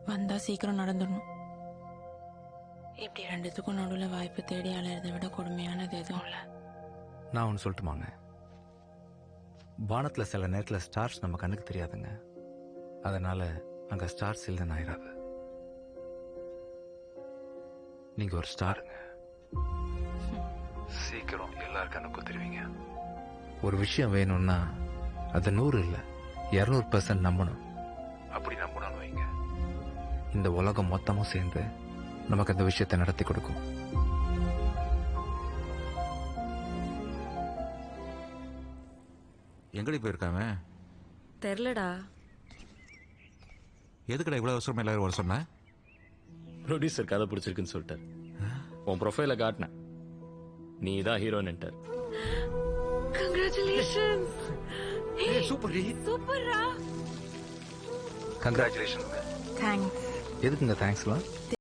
வந்தா சீக்கிரம் நடந்துடணும். இப்படி ரெண்டுத்துக்கும் நடுவில் வாய்ப்பு தேடி அலையிறதை விட கொடுமையானது எதுவும் இல்லை. நான் ஒன்று சொல்லட்டுமாங்க, வானத்தில் சில நேரத்தில் ஸ்டார்ஸ் நம்ம கண்ணுக்கு தெரியாதுங்க. அதனால அங்கே ஸ்டார்ஸ் இல்லைன்னு ஆயிடாது. நீங்கள் ஒரு ஸ்டாருங்க. சீக்கிரம் எல்லார் கண்ணுக்கும் தெரிவிங்க. ஒரு விஷயம் வேணும்னா அது 100 இல்லை 200% நம்பணும். அப்படி நம்பணும்னு வைங்க, இந்த உலகம் மொத்தமும் சேர்ந்து நமக்கு அந்த விஷயத்தை நடத்தி கொடுக்கும். எங்கடி போயிருக்காம தெரிலடா. எதுக்கடா இவ்வளவு அவசரமா எல்லாரும் வர சொன்ன? ப்ரொடியூசர் கதை பிடிச்சிருக்குன்னு சொல்லிட்டார். உன் ப்ரொஃபைல காட்டினேன், நீ தான் ஹீரோயின்ட்டார். கங்க்ராச்சுலேஷன்ஸ். சூப்பர் சூப்பர்ரா. கங்க்ராச்சுலேஷன். தேங்க்ஸ். எதுக்குங்க தேங்க்ஸ்லாம்?